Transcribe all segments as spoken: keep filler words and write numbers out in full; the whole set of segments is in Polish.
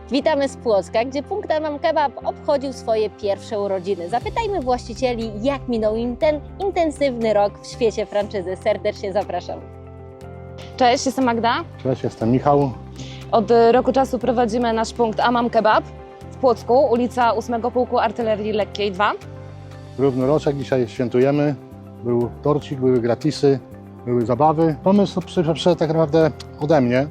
Witamy z Płocka, gdzie punkt Amam Kebab obchodził swoje pierwsze urodziny. Zapytajmy właścicieli, jak minął im ten intensywny rok w świecie franczyzy. Serdecznie zapraszam. Cześć, jestem Magda. Cześć, jestem Michał. Od roku czasu prowadzimy nasz punkt Amam Kebab w Płocku, ulica ósmego Pułku Artylerii Lekkiej dwa. Równy roczek, dzisiaj świętujemy. Był torcik, były gratisy, były zabawy. Pomysł przyszedł tak naprawdę ode mnie,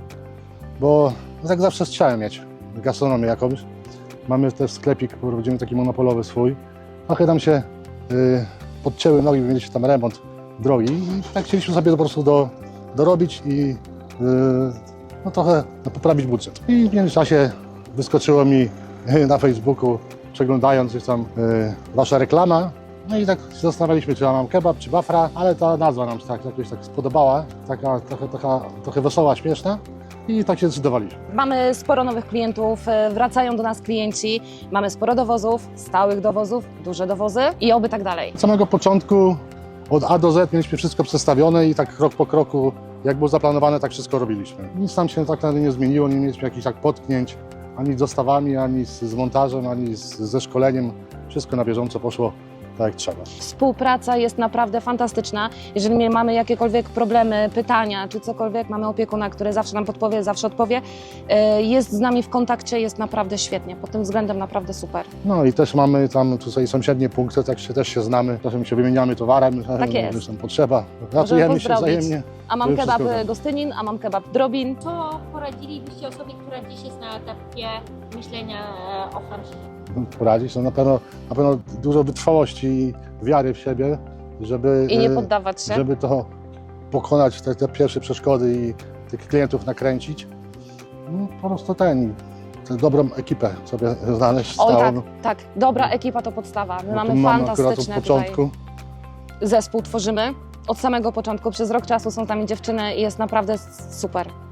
bo tak zawsze chciałem mieć gastronomię jakąś. Mamy też sklepik, prowadzimy taki monopolowy swój. Trochę tam się y, podcięły nogi, mieliśmy tam remont drogi i tak chcieliśmy sobie po prostu do, dorobić i y, no, trochę no, poprawić budżet. I w międzyczasie wyskoczyło mi na Facebooku, przeglądając gdzieś tam y, wasza reklama. No i tak się zastanawialiśmy, czy ja mam kebab, czy bafra, ale ta nazwa nam się tak jakoś tak spodobała, taka trochę, trochę, trochę wesoła, śmieszna i tak się zdecydowaliśmy. Mamy sporo nowych klientów, wracają do nas klienci, mamy sporo dowozów, stałych dowozów, duże dowozy i oby tak dalej. Od samego początku, od A do Z mieliśmy wszystko przestawione i tak krok po kroku, jak było zaplanowane, tak wszystko robiliśmy. Nic nam się tak naprawdę nie zmieniło, nie mieliśmy jakichś tak potknięć, ani z dostawami, ani z, z montażem, ani z, ze szkoleniem. Wszystko na bieżąco poszło tak jak trzeba. Współpraca jest naprawdę fantastyczna. Jeżeli mamy jakiekolwiek problemy, pytania czy cokolwiek, mamy opiekuna, który zawsze nam podpowie, zawsze odpowie. Jest z nami w kontakcie, jest naprawdę świetnie. Pod tym względem naprawdę super. No i też mamy tam tutaj sąsiednie punkty, tak się też się znamy, czasem się wymieniamy towarem, Tak jest. już tam potrzeba, ratujemy się pozdrowić. wzajemnie. A mam To kebab wszystko tak. Gostynin, a mam kebab Drobin. Co poradzilibyście osobie, która dziś jest na etapie myślenia o franczyzie? Poradzić, no na pewno, na pewno dużo wytrwałości i wiary w siebie, żeby, I nie e, poddawać się. żeby to pokonać, te, te pierwsze przeszkody i tych klientów nakręcić. No, po prostu ten, tę dobrą ekipę sobie znaleźć. Oj stałą. tak, tak. Dobra ekipa to podstawa. My No, mamy tu mamy akurat fantastyczne od początku. tutaj zespół tworzymy. Od samego początku, przez rok czasu są z nami dziewczyny i jest naprawdę super.